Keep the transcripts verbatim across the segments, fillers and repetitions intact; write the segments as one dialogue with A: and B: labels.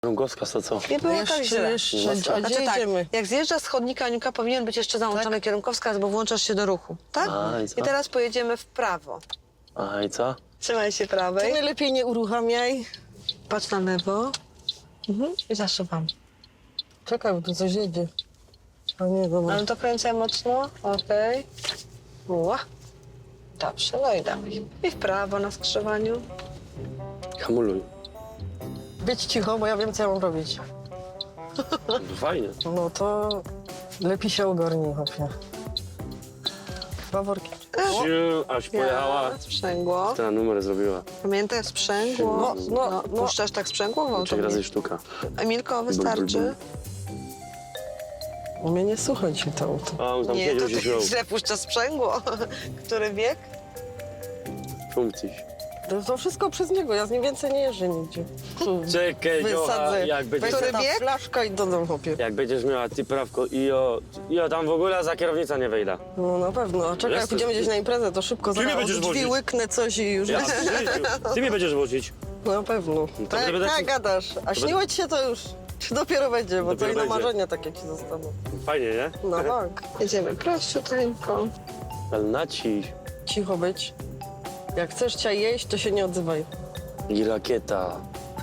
A: Rągowska, to co?
B: Nie było
C: Jeszcze,
B: tak źle.
C: jeszcze, a
B: Znaczy
C: gdzie
B: tak,
C: idziemy?
B: jak zjeżdża z chodnika Aniuka, powinien być jeszcze załączony
C: Tak?
B: kierunkowskaz, bo włączasz się do ruchu, tak?
A: A, i co?
B: I teraz pojedziemy w prawo.
A: A i co?
B: Trzymaj się
C: Ty
B: prawej,
C: najlepiej nie uruchamiaj.
B: patrz na lewo mhm. i zasuwam.
C: Czekaj, bo tu coś jedzie. A nie, dobra.
B: Ale to kręcę mocno, okej. Okay. Dobrze, no i dalej. I w prawo na skrzyżowaniu.
A: Hamuluj.
C: Być cicho, bo ja wiem, co ja mam robić.
A: Fajnie.
C: No to lepiej się ogarnij, chłopie. Dwa worki.
A: Siu, aż pojechała.
B: Ja, sprzęgło.
A: Ten numer zrobiła.
B: Pamiętaj, sprzęgło.
C: No, no, no.
B: Puszczasz tak sprzęgło w
A: Trzech
B: auto?
A: razy sztuka.
B: Emilko, wystarczy?
C: U mnie nie słuchać mi to auto.
A: A on tam
B: Nie,
A: siedział,
B: to
A: się wziął.
B: ty źle puszcza sprzęgło. Który wiek?
A: Funkcji.
C: To, to wszystko przez niego, ja z nim więcej nie jeżdżę nigdzie. Tu
A: Czekaj, Dziocha,
C: wysadzę,
A: jak będziesz,
B: Który
C: będzie ta
B: bieg?
C: flaszka i dodam, chłopie.
A: jak będziesz miała ty prawko i o, i o tam w ogóle za kierownicę nie wejdę.
C: No na pewno. A czekaj, jak
A: Jesteś-
C: pójdziemy gdzieś na imprezę, to szybko
A: Ty mnie
C: zaraz
A: będziesz
C: od drzwi
A: wozić.
C: łyknę coś i już...
A: Ja, w życiu. Ty mnie będziesz wozić.
C: Na pewno.
A: to
C: Tak,
A: będę-
C: tak gadasz. A śniło ci się to już dopiero będzie, bo
A: Dopiero
C: to i na
A: będzie.
C: marzenia takie ci zostaną.
A: Fajnie, nie?
C: No tak.
B: Jedziemy prościuteńko.
A: Ale naciś.
C: Cicho być. Jak chcesz cię jeść, to się nie odzywaj.
A: I rakieta.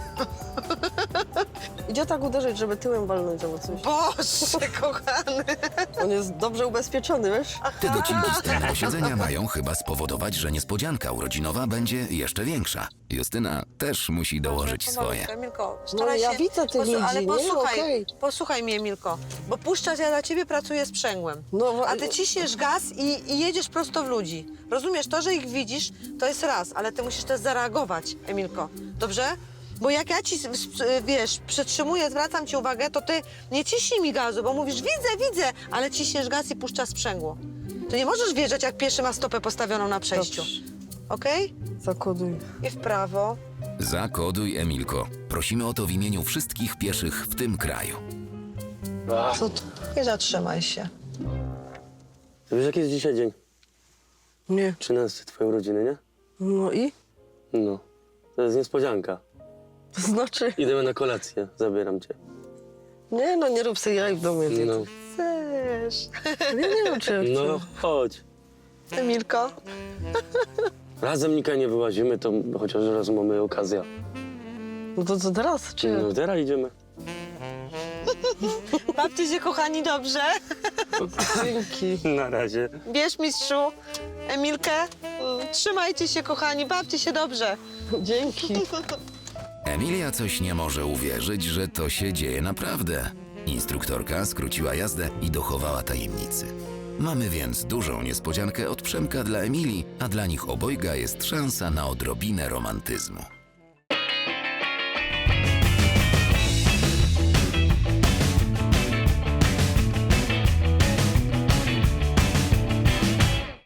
C: Idzie tak uderzyć, żeby tyłem walnąć albo coś.
B: Boże, kochany.
C: On jest dobrze ubezpieczony, wiesz?
D: Te docinki z tylnego siedzenia mają chyba spowodować, że niespodzianka urodzinowa będzie jeszcze większa. Justyna też musi dołożyć swoje.
B: Emilko,
C: No
B: staraj
C: ja
B: się...
C: widzę tych
B: Posłu- Ale
C: ludzi, nie?
B: posłuchaj,
C: Okej.
B: posłuchaj mnie, Emilko, bo puszczać ja dla ciebie pracuję sprzęgłem.
C: No, wa-
B: A ty ciśniesz gaz i, i jedziesz prosto w ludzi. Rozumiesz, to, że ich widzisz, to jest raz, ale ty musisz też zareagować, Emilko. Dobrze? Bo jak ja ci, s- s- wiesz, przytrzymuję, zwracam ci uwagę, to ty nie ciśnij mi gazu, bo mówisz, widzę, widzę, ale ciśniesz gaz i puszczasz sprzęgło. To nie możesz wjeżdżać, jak pieszy ma stopę postawioną na przejściu.
C: Dobrze.
B: Okej?
C: Zakoduj.
B: I w prawo.
D: Zakoduj, Emilko. Prosimy o to w imieniu wszystkich pieszych w tym kraju.
A: Ach,
B: Co to? I zatrzymaj się.
A: wiesz, jaki jest dzisiaj dzień?
C: Nie.
A: trzynasty twojej urodziny, nie?
C: No i?
A: No. To jest niespodzianka.
C: To znaczy?
A: Idziemy na kolację, zabieram cię.
C: Nie no, nie rób sobie jaj w domu.
A: No.
C: No.
B: Chcesz.
C: Nie, nie wiem, czy ja chcę.
A: No, chodź.
B: Emilko?
A: Razem nikaj nie wyłazimy, to chociaż raz mamy okazję.
C: No to co teraz, czy?
A: No, teraz idziemy.
B: Bawcie się, kochani, dobrze.
C: Dzięki.
A: Na razie.
B: Bierz, mistrzu, Emilkę. Mm, Trzymajcie się, kochani, bawcie się dobrze.
C: Dzięki.
D: Emilia coś nie może uwierzyć, że to się dzieje naprawdę. Instruktorka skróciła jazdę i dochowała tajemnicy. Mamy więc dużą niespodziankę od Przemka dla Emilii, a dla nich obojga jest szansa na odrobinę romantyzmu.